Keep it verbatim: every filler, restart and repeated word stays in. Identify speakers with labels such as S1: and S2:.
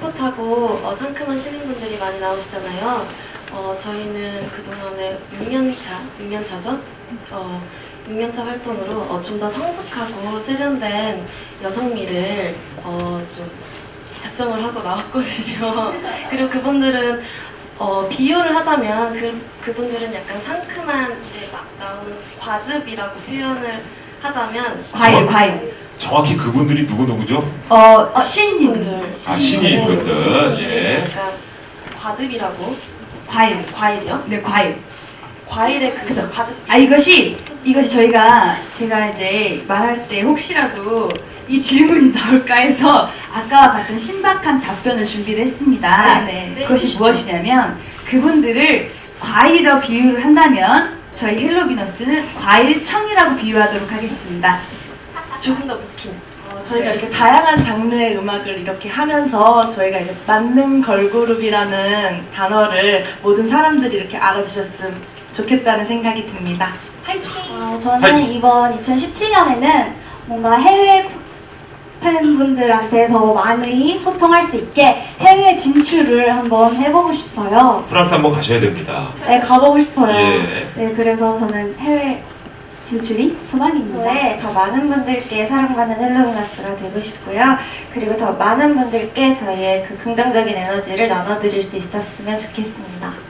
S1: 풋풋하고 어, 상큼한 신인분들이 많이 나오시잖아요. 어, 저희는 그동안에 육 년 차, 육 년 차죠? 어, 육 년 차 활동으로 어, 좀 더 성숙하고 세련된 여성미를 어, 좀 작정을 하고 나왔거든요. 그리고 그분들은 어, 비유를 하자면 그, 그분들은 약간 상큼한 이제 막 나오는 과즙이라고 표현을 하자면
S2: 과일,
S3: 정확-
S2: 과일.
S3: 정확히 그분들이 누구누구죠?
S2: 어,
S1: 아,
S2: 신인분들.
S3: 아, 신인분들.
S1: 신인분들이
S3: 예.
S1: 약간 과즙이라고
S2: 과일.
S1: 과일이요?
S2: 네, 과일.
S1: 과일의 그
S2: 그죠.
S1: 과즙.
S2: 아, 이것이, 이것이 저희가, 제가 이제 말할 때 혹시라도 이 질문이 나올까 해서 아까와 같은 신박한 답변을 준비를 했습니다.
S1: 네, 네.
S2: 그것이
S1: 해주시죠.
S2: 무엇이냐면 그분들을 과일이라고 비유를 한다면 저희 헬로비너스는 과일청이라고 비유하도록 하겠습니다.
S1: 조금 더 묵힌.
S4: 어, 저희가 이렇게 다양한 장르의 음악을 이렇게 하면서 저희가 이제 만능 걸그룹이라는 단어를 모든 사람들이 이렇게 알아주셨으면 좋겠다는 생각이 듭니다. 화이팅!
S5: 어, 저는
S3: 화이팅!
S5: 이번 이천십칠 년에는 뭔가 해외 팬분들한테 더 많이 소통할 수 있게 해외 진출을 한번 해보고 싶어요.
S3: 프랑스 한번 가셔야 됩니다.
S5: 네, 가보고 싶어요.
S3: 예.
S5: 네, 그래서 저는 해외 진출이 소망입니다.
S6: 네, 더 많은 분들께 사랑받는 헬로비너스가 되고 싶고요. 그리고 더 많은 분들께 저희의 그 긍정적인 에너지를 나눠드릴 수 있었으면 좋겠습니다.